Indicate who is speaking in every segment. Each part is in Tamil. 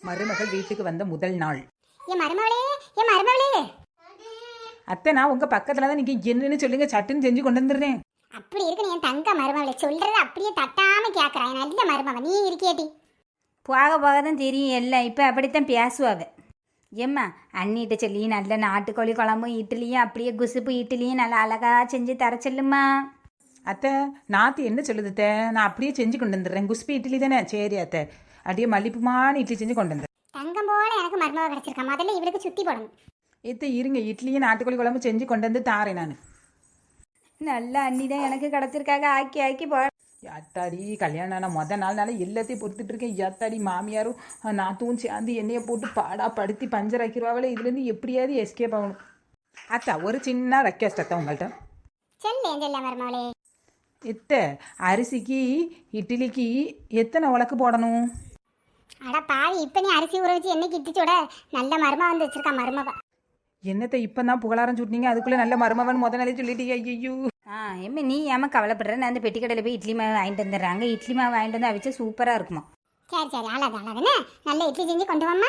Speaker 1: மருமகள் வீட்டுக்கு வந்த முதல் நாள்.
Speaker 2: என் மருமகளே, என் மருமகளே.
Speaker 1: அத்தை, நான் உங்க பக்கத்துல தான் நீங்க என்னன்னு சொல்லுங்க, சட்டுன்னு செஞ்சு கொண்டு வந்துடுறேன்.
Speaker 2: அப்படி இருக்கு என் தங்க மருமகளே, சொல்றது அப்படியே தட்டாம கேட்கறான். நல்ல மருமக நீ இருக்கியேடி.
Speaker 3: போக போக தான் தெரியும் எல்லாம். இப்போ அப்படித்தான் பேசுவாங்க. ஏம்மா அண்ணிகிட்ட சொல்லி நல்ல நாட்டுக்கோழி குழம்பும் இட்லியும் அப்படியே குசுப்பு இட்லியும் நல்லா அழகாக செஞ்சு தர சொல்லுமா.
Speaker 1: அத்தை, நாத்து என்ன சொல்லுது? நான் அப்படியே செஞ்சு கொண்டு வந்துடுறேன். குஸ்பி இட்லி தானே? சரி அத்தை, அப்படியே மல்லிப்புமான இட்லி செஞ்சு கொண்டு வந்துடுறேன்.
Speaker 2: தங்கம் போல எனக்கு மருமக கிடைச்சிருக்கா. முதல்ல இவளுக்கு சுத்தி போடணும்.
Speaker 1: எத்தை இருங்க, இட்லியும் நாட்டுக்கோழி குழம்பு செஞ்சு கொண்டு வந்து தாரேன் நான்.
Speaker 3: நல்ல அண்ணி தான் எனக்கு கிடச்சிருக்காங்க. ஆக்கி ஆக்கி போ.
Speaker 1: யாத்தாடி, கல்யாணம் ஆன மொதல் நாள்னால எல்லாத்தையும் பொறுத்துட்டு இருக்கேன். யாத்தாடி, மாமியாரும் நாத்துவும் சேர்ந்து எண்ணெயை போட்டு பாடா படுத்தி பஞ்சர் ஆக்கிடுவாங்களே. இதுலேருந்து எப்படியாவது எஸ்கேப் ஆகணும். அத்தா, ஒரு சின்ன ரெக்வஸ்ட் அத்தா உங்கள்கிட்ட.
Speaker 2: செல்ல மருமகளே.
Speaker 1: எத்தை, அரிசிக்கு இட்லிக்கு எத்தனை உலக்கு போடணும்?
Speaker 2: அட பாவி, இப்ப நீ அரிசி ஊற வச்சு என்னைக்கு இட்டிச்சோட நல்ல மருமக வந்து வச்சிருக்கா மருமக.
Speaker 1: என்னத்தை இப்போ தான் புகழாரம் சுட்டினீங்க, அதுக்குள்ளே நல்ல மருமவன் முத நாளே சொல்லிட்டீங்க. ஐயோ.
Speaker 3: ஏம்மா நீ ஏமா கவலைப்படுற? நான் அந்த பெட்டி கடையில் போய் இட்லி மாவு வாங்கிட்டு வந்துடுறாங்க. இட்லி மாவு வாங்கிட்டு வந்து அவிச்சா சூப்பராக இருக்குமா.
Speaker 2: சரி அழகுன்னு நல்ல இட்லி செஞ்சு கொண்டு வாம்மா.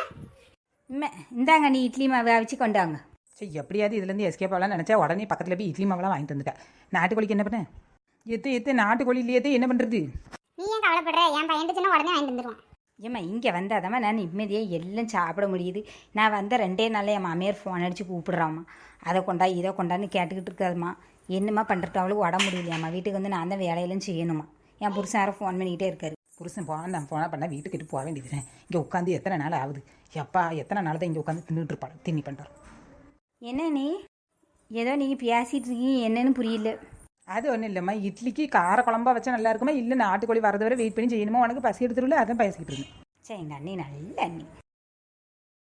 Speaker 3: இந்தாங்க நீ இட்லி மாவு அவிச்சு கொண்டாங்க.
Speaker 1: சரி, எப்படியாவது இதுலேருந்து எஸ்கேப் ஆகலாம்னு நினச்சா உடனே பக்கத்தில் போய் இட்லி மாவெல்லாம் வாங்கிட்டு வந்துட்டேன். நாட்டுக்கோழிக்கு என்ன பண்ணேன்? எத்து நாட்டுக்கோழி இல்லையே, என்ன பண்ணுறது?
Speaker 2: நீ ஏன் கவலைப்படுற? என் பையன் சின்ன உடனே வாங்கிட்டு வந்துடுவான்.
Speaker 3: ஏம்மா இங்கே வந்தாதாம்மா நான் நிம்மதியாக எல்லாம் சாப்பிட முடியுது. நான் வந்த 2 நாளில் என் மாமியார் ஃபோன் அடித்து கூப்பிடுறாம்மா. அதை கொண்டா இதை கொண்டான்னு கேட்டுக்கிட்டு இருக்காதும்மா. என்னம்மா பண்ணுறது? அவளுக்கு உடம்பு முடியலையாம்மா. வீட்டுக்கு வந்து நான் தான் வேலையெல்லாம் செய்யணுமா. என் புருஷன் யாரும் ஃபோன் பண்ணிக்கிட்டே இருக்காரு.
Speaker 1: புருஷன் நான் ஃபோனாக பண்ணால் வீட்டுக்கிட்டு போக வேண்டியது. இங்கே உட்காந்து எத்தனை நாள் ஆகுது? எப்பா, எத்தனை நாள் தான் இங்கே உட்காந்து தின்னுட்டு இருப்பாள், தின்னி பண்ணுறோம்.
Speaker 3: என்ன நீ ஏதோ நீங்கள் பேசிகிட்டு இருக்கீங்க, என்னன்னு புரியல.
Speaker 1: அது ஒன்றும் இல்லைம்மா, இட்லிக்கு கார குழம்பா வச்சா நல்லா இருக்குமா, இல்லை நாட்டுக்கோழி வரது வரை வெயிட் பண்ணி செய்யணுமா? உனக்கு பசி எடுத்துருல, அதான் பேசிக்கிட்டு இருந்தேன்.
Speaker 3: சரி, எங்கள் அண்ணி நல்ல அண்ணி.